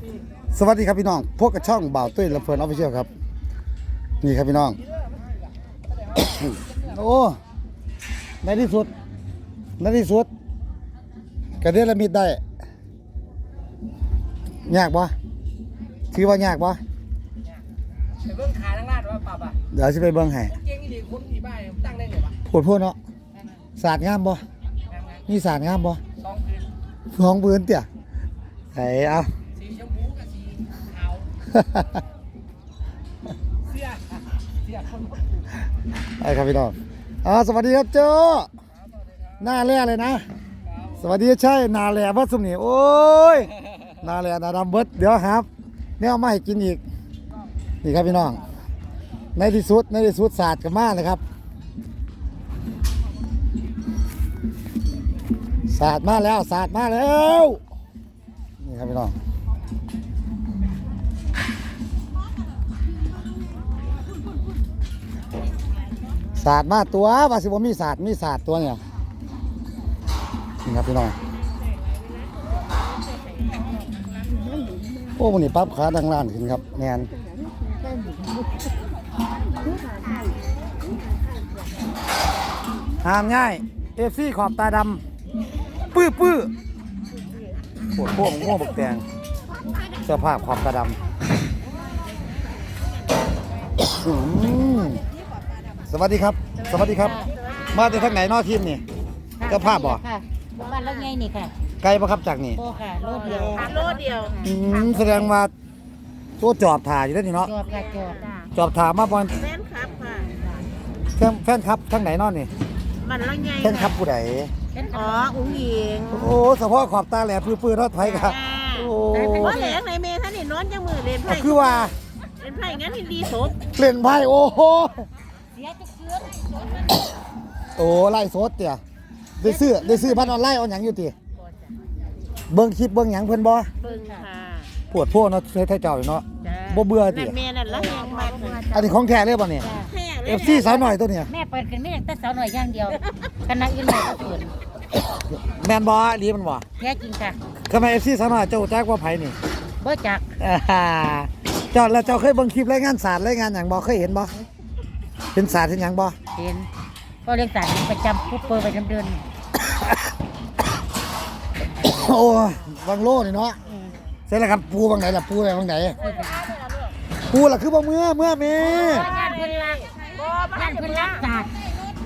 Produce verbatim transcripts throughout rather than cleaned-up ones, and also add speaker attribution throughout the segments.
Speaker 1: สวัสดีครับพี่น้องพวกกับช่องบ่าวตุ้ยและเฟิร์นออฟฟิเชียลครับนี่ครับพี่น้อง โอ้ในที่สุดในที่สุดกระเด็นละมิดได้ยากปะถือว่ายากปะ
Speaker 2: ไปเบิ้งขาทั้งลาดว่าปรับอ่ะ
Speaker 1: เดี๋ยวจะไปเบิ้งให้
Speaker 2: เก่งดีคนผีบ้าตั้งได้ไงวะ
Speaker 1: พูดพูดเนาะศาสตร์งามปะมีศาสตร์งามปะ
Speaker 2: สองพื้น
Speaker 1: สองพื้นเตี่ยไหนเอา
Speaker 2: สีชมพูกับสีขาวเสียเสียคน
Speaker 1: ไอ้ครับพี่น้องอ่าสวัสดีครับโจ้หน้าแร่เลยนะสวัสดีใช่นาแร่วัดสมนีโอ้ยนาแร่นาดำเบิดเดี๋ยวครับเนี่ยเอามาให้กินอีกนี่ครับพี่น้องในที่สุดในที่สุดศาสตร์กับมานะครับศาสตร์มาแล้วศาสตร์มาแล้วนี่ครับพี่น้องศาสตร์มาตัวว่าสิบ่มีศาสตร์มีศาสตร์ตัวเนี่ยนี่ครับพี่น้องโอ้วันนี้ปั๊บขาดังล้านขึ้นครับแนนห้ามง่ายเอฟซีขอบตาดำปื้อปื้อปวดพวกง่วงบกแตงเสื้อผ้าขอบตาดำสวัสดีครับสวัสดีครับมาจากทางไหนนอกทีมนี่เจ้าภาพบ่
Speaker 3: ค่ะบ้านแล้วไงนี่ค่ะ
Speaker 1: ไกลปะครับจากนี่
Speaker 3: โอ้ค่ะโลดเดียวโลดเดียว
Speaker 1: อืมแสดงว่าตัวจอบถ่ายอยู่แล้วนี่เนาะ
Speaker 3: จอบค่ะจอบ
Speaker 1: จอบถ่ายมาบอล
Speaker 3: แฟนคลับค่ะ
Speaker 1: แฟนแฟนครับทางไหนนอนนี่
Speaker 3: บ้านแล้วไง
Speaker 1: แฟนครับผู้ใด
Speaker 3: อ๋ออุ้งยิง
Speaker 1: โอ้เฉพาะขอบตาแหลมปื้อๆรถไฟครับโอ้
Speaker 3: ว่าแหลงในเมท่านนี่นอนจังมือเล่นไพ่
Speaker 1: คือว่า
Speaker 3: เล่นไพ่งั้นดีศพ
Speaker 1: เล่นไพ่โอ้โห
Speaker 3: เสียจะเกือบ
Speaker 1: โอ้ไล่สดเตี่ยได้ซื้อได้ซื้อพันออนไลน์เอาหยังอยู่ติเบิ่งคลิปเบิ่งหยังเพิ่นบ่
Speaker 3: เบิ่งค่ะ
Speaker 1: ปวดพวกเนาะใช้เจ้าอยู่เนาะบ่เบื่อติ
Speaker 3: แม่นั่นละแหงมาก
Speaker 1: อันนี้ของแท้เลยบ่เนี่ย เอฟ ซี สาวหน่อยตัวเนี่ย
Speaker 3: แม่เปิดกันไม่อยากแต่สาวหน่อยอย่างเดียวคณะอื่นไม่ก็เปิด
Speaker 1: แม่นบ่ดีมันบ่
Speaker 3: แท้จริงค่ะ
Speaker 1: ทำไม เอฟ ซี สาวหน่อยเจ้าจักว่าไผนี่
Speaker 3: บ่จัก
Speaker 1: เจ้าแล้วเจ้าเคยเบิ่งคลิปรายงานศาสตร์รายงานหยังบ่เคยเห็นบ่เป็นศาสตร์เป็นหยังบ่
Speaker 3: เห็นก็เรียนศาสตร์ประจำผู้เปิดประจำเดือน
Speaker 1: โอ้บางโลนี่เนาะเสร็จแล้วครับปูบางไหนล่ะปูอะไรบางไหนปูล่ะคือบ่เมื่อเมื่อแม่
Speaker 3: งานเพิ่นรักงานเพิ่นรักศาสตร์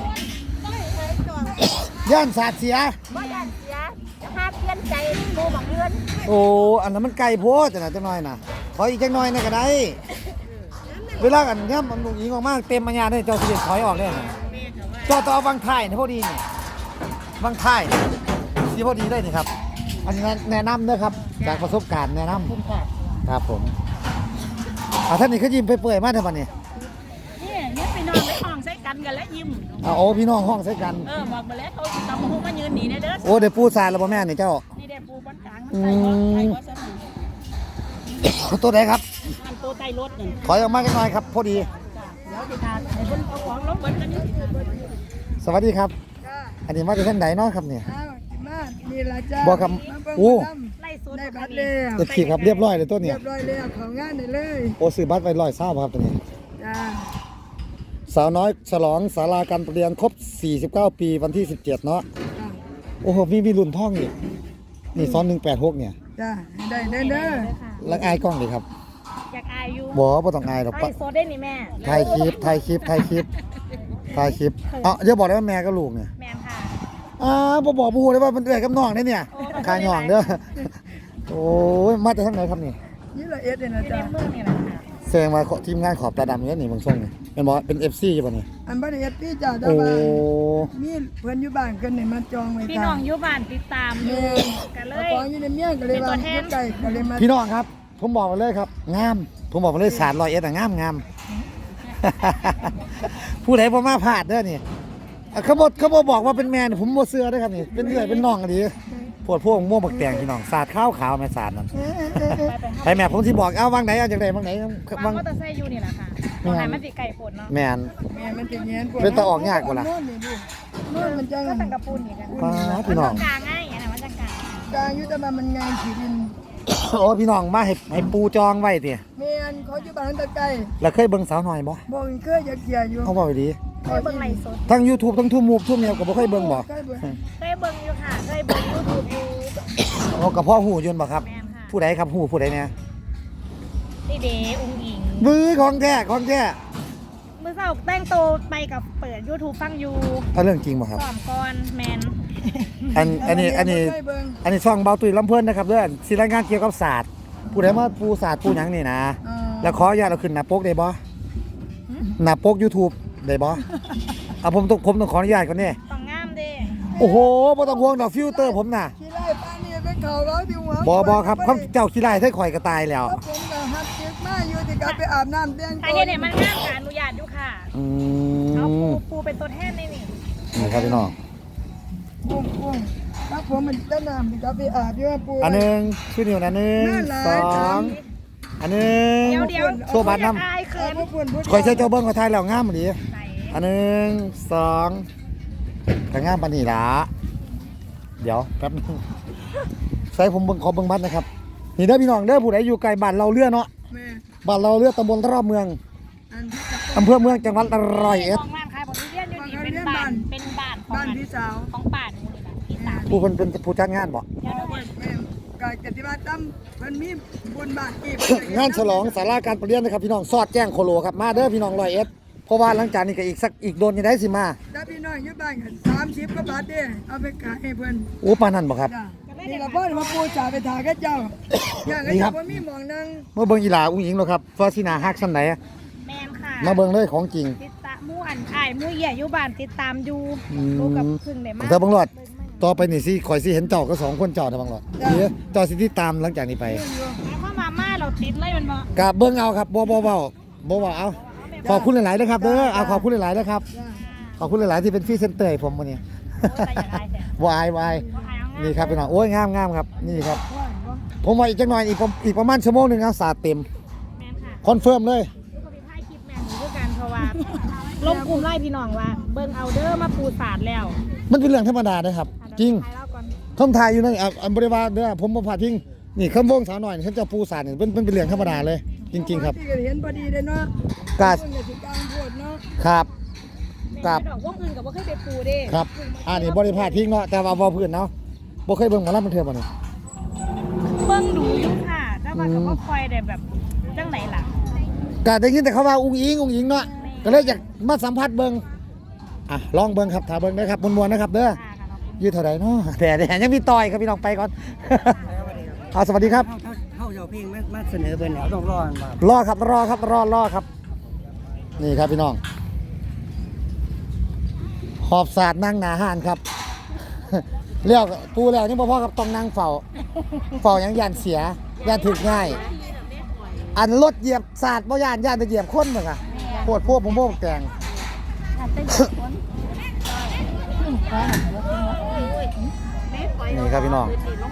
Speaker 1: ย่านศาสตร์เสีย
Speaker 3: บ่ย่านเสียจะพาเปลี่ยนใจปูบักเดือน
Speaker 1: โอ้อันนั้นมันไกลโพดจังน่ะจังน้อยน่ะขออีกจังน้อยน่ะก็ได้เวลากันเนี่ยมันลุงยิงออกมาเต็มปัญญาได้เจ้าสิถอยออกเลยเจ้าต่อบางท้ายนี่พอดีนี่บางท้ายสิพอดีได้นี่ครับอันนี้แนะนำนะครับจากประสบการณ์แนะนำครับผมอ่าท่านนี่เขายิ้มไปเปื่อยมากท่านนี่
Speaker 3: นี่เนี่ยไปนอนไปห้องใส่กันกันแล้วยิ้ม
Speaker 1: อ่าโอ้พี่น้องห้องใส่กัน
Speaker 3: เออบอกมาแล้วเขาตำหูมายืนหนีเด้อ
Speaker 1: โอ้เดี๋ยวปูซาแล้วพ่อแม่นี่เจ้า
Speaker 3: นี่เดี๋ยวปูบนกลางมันใส่รถใส่รถซะห
Speaker 1: น่อยตัวไหนครับ
Speaker 3: มันตัวใส่รถนี่
Speaker 1: ถอยออกมากันหน่อยครับพอดี
Speaker 3: เดี๋ยวจะทานไอ้บนเอาของลงบนกันนี่
Speaker 1: สวัสดีครับอันนี้มาจากท่านไหนเนาะครับเนี่ย
Speaker 4: นี่ละจ้า
Speaker 1: บอกครับโอ้
Speaker 4: ได้บัตรแล้ว
Speaker 1: จะขี่ครับเรียบร้อยเลยตัวเนี่ย
Speaker 4: เรียบร้อยแล้วของงานได้เลย
Speaker 1: โอ้ซื้อบัตรไปร้อยเศร้าครับตัวนี้
Speaker 4: จ้า
Speaker 1: สาวน้อยฉลองศาลาการประเรียนครบสี่สิบเก้าปีวันที่สิบเจ็ดเนาะโอ้โหมีมีรุ่นท่องอีกนี่ซ้อนหนึ่งแปดหกเนี่ย
Speaker 4: จ้าได้เด้อเด้อ
Speaker 1: แล้วอายกล้องดิครับ
Speaker 3: อยากอายอยู่
Speaker 1: บ่บ่ต้องอายหรอก
Speaker 3: ปะโซได้นี่แม่
Speaker 1: ถ่ายคลิปถ่ายคลิปถ่ายคลิปถ่ายคลิปอ๋ออย่าบอกได้ว่าแม่กับลูกเนี่ย
Speaker 3: แม่ค่ะ
Speaker 1: อ่าบ่บอกบูเลยว่ามันเอื้อยกับน้องได้เนี่ยขายน้องเด้อโอ้ยมาจากทางไหนครับนี่
Speaker 4: ยี่ละเอ็ดเนี่ยนะจ้า
Speaker 3: เมืองนี่แหละค่ะ
Speaker 1: แสดงว่าทีมงานขอบตาดำเนี่ยนี่เมืองส่งนี่เป็นบ่เป็น เอฟ ซี ใช่ป่ะนี่
Speaker 4: อันบ่ได้เอ็ดพี่จ้าแต่ว่ามีเพิ่นอยู่บ้านกันนี่มาจองไว้
Speaker 3: พี่น้องอยู่บ้านติดตามอยู่กันเลย
Speaker 4: ของอยู่ในเมียก็เลยว่าอยู่ใกล้ก็เลยมา
Speaker 1: พี่น้องครับผมบอกมาเลยครับงามผมบอกมาเลยศาสตร์ร้อยเอ็ดอ่ะงามงามผู้ใดบ่มาพลาดเด้อนี่เขาบอกเขาบอกบอกว่าเป็นแมนผมโมเสือด้วยครับนี่เป็นเรื่อยเป็นน้องกันดีปวดพวกม่วงบักแตงพี่น้องศาสตร์ข้าวขาวแม่ศาสตร์นั่นไปแม่ผมที่บอกเอาวางไหนเอาจากไหนวางไหน
Speaker 3: วางก็จะใส่อยู่นี่แหละค่ะตรงไหนมันสิไก่ฝนเนาะ
Speaker 1: แมน
Speaker 4: แมนมันจะเงี้ย
Speaker 1: เป็นตะออกยากกว่าล่ะ
Speaker 4: นู่นมันจะ
Speaker 3: ก็ตั้งกระปุนนี่กัน
Speaker 1: ป้าพี่น้อง
Speaker 3: กลางง่ายอันนั้นมันจะกลาง
Speaker 4: กลางอยู่แต่ว่ามันงานขีดิน
Speaker 1: โอ้พี่น้องมาให้ให้ปูจองไว้ติ
Speaker 4: แม่นเขาอยู่บ้านตะไกร้
Speaker 1: แล้วเคยเบิ่งสาวหน่อยบ่
Speaker 4: บ่เคยอยากเกียอยู่
Speaker 1: เขาบอกดี
Speaker 3: เคยเบิ่งไลฟ์สด
Speaker 1: ทั้ง YouTube ทั้งทูมูฟทูเมียก็บ่เคยเบิ่งบ่
Speaker 4: เคยเบิ่ง
Speaker 3: เคยเบิ่งอยู่ค่ะเคยเบิ่ง YouTube อยู่
Speaker 1: โอ้กับพ่อหูยนต์บ่ครับ
Speaker 3: แม่นค่ะ
Speaker 1: ผู้ใดครับหูผู้ใดเนี่ย
Speaker 3: นี่เดอุ้งอิง
Speaker 1: มือของแท้ของแท้
Speaker 3: มื้อเช้าแต่งตัวไปกับเปิด YouTube ฟังอยู่
Speaker 1: เอาเรื่องจริงบ่ครับ
Speaker 3: ซ้อมก่อนแมน
Speaker 1: อันอันนี้อันนี้
Speaker 4: เคยเบิ่ง
Speaker 1: อันนี้ช่องเบาตุยลำเพิ่นนะครับเด้อสิรายงานเกี่ยวกับศาสตร์ผู้ใดมาปูศาสตร์ปูหยังนี่นะ
Speaker 4: อ่า
Speaker 1: แล้วขออนุญาตเอาขึ้นหน้าปกได้บ่หน้าปก YouTube ได้บ่เอาผมต้องผมต้องขออนุญาตก่อนนี่
Speaker 3: ต้องงามเด้
Speaker 1: โอ้โหบ่ต้องห่วงดอกฟิลเตอร์ผมน่ะ
Speaker 4: ขี้ไล่ป้านี่เป็นเขาเราที่หัว
Speaker 1: บ่บ่ครับคำเจ้าขี้ไล่ให้ข่อยก็ตายแล้ว
Speaker 4: แล้วผมก็หัดเก็บมาอยู่ที่กลับไปอาบน้ำแต่ง
Speaker 3: ถ้าเฮ็ดเนี่ยมันงามก็อนุญาตอยู่ค่ะ
Speaker 1: อื
Speaker 3: เอาปู
Speaker 1: ม
Speaker 3: ปูเป็นตัวแทนในนี่
Speaker 1: นี่ครับพี่น้อง
Speaker 4: ปุ้งปุ้งแล้วผมมันแต่น้ำที่กลับไปอาบอยู่ว่าปู
Speaker 1: อันหนึงชื่อนิ้วนะหนึ่ง
Speaker 4: น่ารัก
Speaker 1: สองอันหนึง
Speaker 3: เดี๋ยวเดี๋ยว
Speaker 1: โชว์บัตรนำ
Speaker 3: อาย
Speaker 4: เขิ
Speaker 3: เขิ
Speaker 4: น
Speaker 3: น
Speaker 4: พวกปุ่นผู้
Speaker 1: ข่อยใช้เจ้าเบิ้งเขาทายแล้วงามดี
Speaker 3: ใส่
Speaker 1: อันหนึ่งสองกระงามปานนีละเดี๋ยวแป๊บนึงใส่ผมเบิ้งขอเบิ้งบัตรนะครับนี่เด้อพี่น้องเด้อผู้ใดอยู่ไกลบ้านเราเรือเนาะ
Speaker 4: แม่
Speaker 1: บ้านเราเรือตำบลรอบเมือง
Speaker 4: อันที่จะ
Speaker 1: อำเภอเมืองจังหวัดร้อยเอ็ด
Speaker 3: ของบ้านขายบริเวณอยู่นี่เป็นบ้านเป็นบ้านของ
Speaker 4: บ้านพี่สาว
Speaker 3: ของป่าหนูนี่แหละพี่สาว
Speaker 1: ผู้คนเป็นผู้จัดงานบ่
Speaker 3: เดี๋ยวเดี๋ยว
Speaker 4: แม่กายกติมาตั้มมันมีบุญบาทกี่
Speaker 1: งานฉลองสาราการประเรียนนะครับพี่น้องสอดแจ้งโคโลครับมาเด้อพี่น้องร้อยเอ็ดเพราะว่าหลังจากนี้ก็อีกสักอีกโดนยังได้สิมา
Speaker 4: ถ้าพี่น้องอยู่บ้านกันสามสิบก็บาทเด้เอาไปขายให้เพื่อน
Speaker 1: โอ้ปานนั้นบ่ครับ
Speaker 4: จ้ะนี่ละพ่อมาปูจ่าไปถ่ายกับเจ้าอย่างนั้น
Speaker 1: นี่ครั
Speaker 4: จะ
Speaker 1: บ
Speaker 4: บ่มีหมองนั่ง
Speaker 1: เมื่อเบิ่งอีหลาอุ้งอิงแล้วครับฟาสินาฮักซั่นไหน
Speaker 3: แมนค่ะ
Speaker 1: มาเบิ่งเลยของจริง
Speaker 3: ติดตามหมู่อันอ้ายหมู่ใหญ่อยู่บ้านติดตามอยู่
Speaker 1: อืม
Speaker 3: ลูกกับพึ่งได้มา
Speaker 1: เธอบังหลอดต่อไปนี่สิข่อยสิเห็นเจ้าก็สองคนเจ้าเด้อบังหลอดเดี๋ยวเจ้าสิติดตามหลังจากนี้ไป
Speaker 3: หมายความว่ามาเราติดเลยมันบ่
Speaker 1: กะเบิ่งเอาครับบ่บ่เว้าบ่เว้าเอาขอบคุณหลายๆเด้อครับเด้อเอาขอบคุณหลายๆเด้อครับ
Speaker 4: จ้ะ
Speaker 1: ขอบคุณหลายๆที่เป็นฟรีเซนเตอร์ให้ผมมื้อนี้
Speaker 3: โอ้ยแต่อย่างไรแต่
Speaker 1: วายวาย
Speaker 3: บ่ขายเอางาม
Speaker 1: นี่ครับพี่น้องโอ้ยงามงามครับนี่ครับ
Speaker 4: ว่าว่า
Speaker 1: ผมว่าอีกจักหน่อยอีกประอีกประมาณชั่วโมงหนึงนะสาดเต็ม
Speaker 3: แมนค่ะ
Speaker 1: คอนเฟิร์มเลย
Speaker 3: ลูกกับพี่พายคลิปแมนหนูด้วยกันเพราะว่าลงกลุ่มไล่พี่น้องว่า เบิ่งเอาเด้อมาปูศาสตร์แล้ว
Speaker 1: มันเป็นเรื่องธรรมดานะครับ จริง
Speaker 3: ขายแล้วก่อน
Speaker 1: คำทายอยู่นั่นอ่ะอันบริวารเด้อผมบ่พลาดทิ้งนี่คำวงสาวหน่อยเขาเจะปูสาดนี่เป็นเป็นเป็นเรื่องธรรมดาเลย จริง ๆ ครับ
Speaker 4: ที่เห็นพอดีเลยเนาะ
Speaker 1: กา
Speaker 4: เพิ่นก็สิกลางโพดเนาะ
Speaker 1: ครับ
Speaker 3: แม่นดอกวงอื่นกับว่าเคยไปปูเด้
Speaker 1: ครับอันนี้บริพลาดทิ้งเนาะแต่ว่าบ่พื้นเนาะบ่เคยเบิ่งหมอลำมันเทื่อบ่นี่
Speaker 3: เบิ่งดูอยู่ค่ะแต่ว่าก็บ่ค่อยได้แบบจังไหนล่ะ
Speaker 1: ก็ได้ยินแต่เขาว่าอุ้งอิงอุ้งอิงเนาะก็เลยอยากมาสัมผัสเบิ่งอ่ะลองเบิ่งครับถ้าเบิ่งได้ครับมวนๆนะครับเด้อ
Speaker 3: ค่ะค่ะขอบคุณ
Speaker 1: ยืดเท่าใดเนาะแต่แต่ยังมีต่อยครับพี่น้องไปก่อน เอาสวัสดีครับ
Speaker 2: เข้าเจ้าเพลงมาเสนอเพิ่นแล้วต้องรอกันว่าร
Speaker 1: อครับรอครับรอรอครับ นี่ครับพี่น้อง หอบศาสตร์นั่งหนาหานครับ เรียกปูแล้วนี่พ่อครับต้องนั่งเฝ้าเฝ้าหยังยานเสียยานถึกง่าย อันรถเหยียบศาสตร์บ่ยานยานไปเหยียบคนเหมือนกันปวดพวกผมพวกแกง
Speaker 3: อาจจะอยู่คน
Speaker 1: นี่ครับพี่น้อง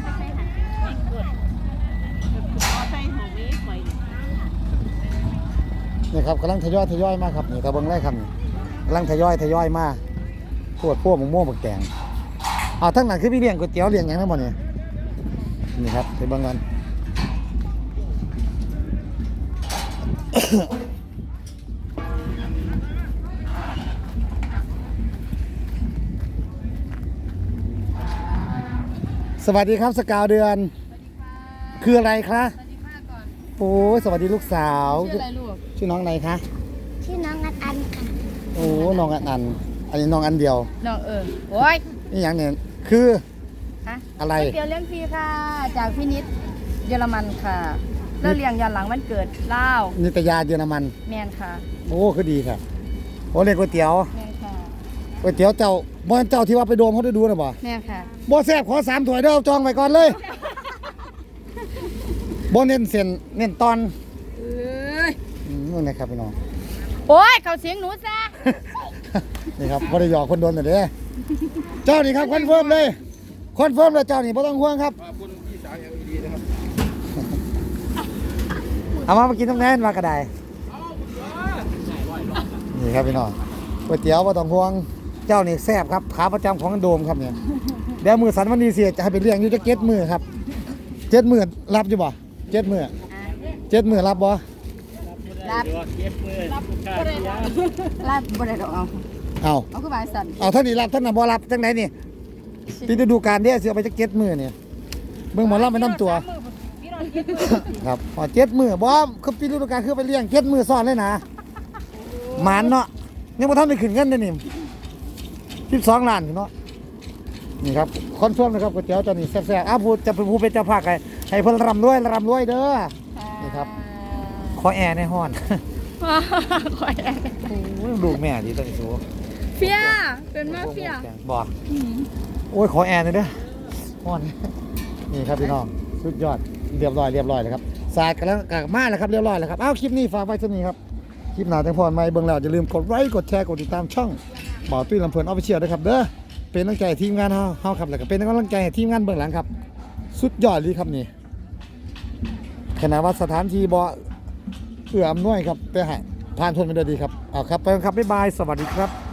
Speaker 1: นี่ครับกำลังทยอยทยอยมาครับนี่กระเบื้องแรกครับนี่กำลังทยอยทยอยมาปวดพวกผมม่วงบักแกงเอาทั้งนั้นคือพี่เลี้ยงก๋วยเตี๋ยวเลี้ยงหยังทั้งหมดนี่นี่ครับไปเบิ่งกัน สวัสดีครับสกาวเดือน คืออะไรคะโอ้ยสวัสดีลูกสาว
Speaker 4: ชื่ออะไรลูก
Speaker 1: ชื่อน้องอะไรคะ
Speaker 3: ชื่อน้องอันอันค่ะ
Speaker 1: โอ้น้องอันอันอันนี้น้องอันเดียว
Speaker 4: น้องเออโอ้ย
Speaker 1: นี่อย่างเนี่ยคือ
Speaker 4: ฮะ
Speaker 1: อะไร
Speaker 4: เดี๋ยวเลี้ยงฟรีค่ะ จากพี่นิดเยอรมันค่ะแล้วเลี้ยงยันหลังวันเกิดลาว
Speaker 1: นิตยาเยอรมัน
Speaker 4: แมนค่ะ
Speaker 1: โอ้คือดีครับโอ้เรียกก๋วยเตี๋ยว
Speaker 4: แมนค่ะ
Speaker 1: ก๋วยเตี๋ยวเจ้าบ่เจ้าที่ว่าไปโดมเขาได้ดูนะบ่
Speaker 4: แมนค่ะ
Speaker 1: บ่แซ่บขอสามถ้วยเด้อจองไว้ก่อนเลยบ่เน้นเส้นเน้นตอน
Speaker 4: เอ้ย
Speaker 1: อืมนี่นะครับพี่น้อง
Speaker 4: โอ้ยเขาเสียงหนูซะ
Speaker 1: นี่ครับบ่ได้หยอกคนโดนแต่เด้อเจ้านี่ครับคอนเฟิร์มเลยคอนเฟิร์มเลยเจ้านี่บ่ต้องห่วงครับ
Speaker 2: ขอบคุณพี่สาวอย่างดีนะครับ
Speaker 1: เอามามากินตรงนั้นมากระไดนี่ครับพี่น้องก๋วยเตี๋ยวบ่ต้องห่วงเจ้านี่แซ่บครับขาประจำของโดมครับเนี่ยเดี๋ยวมือสันวันดีเสียจะให้ไปเลี้ยงอยู่จะเก็ตมือครับเจ็ดหมื่นรับอยู่บ่เจ็ดหมื่นเจ็ดหมื่นรับบ่
Speaker 4: รับ
Speaker 2: เก็บมือรับ
Speaker 4: รับบ่ได้ดอกเอา
Speaker 1: เอา
Speaker 4: เอาคือบายสัน
Speaker 1: เอาเท่านี้รับเท่านั้นบ่รับจังไหนนี่ปีฤดูกาลเด้สิเอาไปจักเจ็ดหมื่นเนี่ยเบิ่งหมอลำไปนํตัว
Speaker 3: พี่น้องเจ็ดมือ
Speaker 1: ครับพอเจ็ดหมื่นบ่คือปีฤดูกาลคือไปเลี้ยงเจ็ดหมื่นซ้อนเลยนะหมานเนาะยังบ่ทันได้ขึ้นเงินเลยนี่สิบสองล้านเนาะนี่ครับคอนเฟิร์มนะครับก๋วยเตี๋ยวเจ้านี่แซ่บๆอ้าวพูดจะเป็นผู้เป็นเจ้าภาคให้ให้เพิ่นร่ำรวยร่ำรวยเด้อนี่ครับขอแอร์ในห้อน
Speaker 3: คอยแอน
Speaker 1: โอ้ยลูกแม่ดีตัวนี้สู
Speaker 4: เฟียเป็นมาเฟีย
Speaker 1: บ่โอ้ยขอแอร์หน่อยเด้อห้อน นี่ครับพี่น้องสุดยอดเรียบร้อยเรียบร้อยเลยครับสายกันแล้วกลับมาแล้วครับเรียบร้อยแล้วครับอ้าวคลิปนี้ฝากไว้เท่านี้ครับคลิปหน้าจังพรใหม่เบิ่งแล้วอย่าลืมกดไลค์กดแชร์กดติดตามช่องบ่าวตุ้ยลำเพลินออฟฟิเชียลด้วยครับเด้อเป็นกำลังใจให้ทีมงานเฮาเฮาครับแล้วก็เป็นกำลังใจให้ทีมงานเบื้องหลังครับสุดยอดเลยครับนี่ขณะว่าสถานที่บ่เอื้ออำนวยครับแต่ให้ผ่านพ้นไปด้วยดีครับเอาครับไปกันครับบ๊ายบายสวัสดีครับ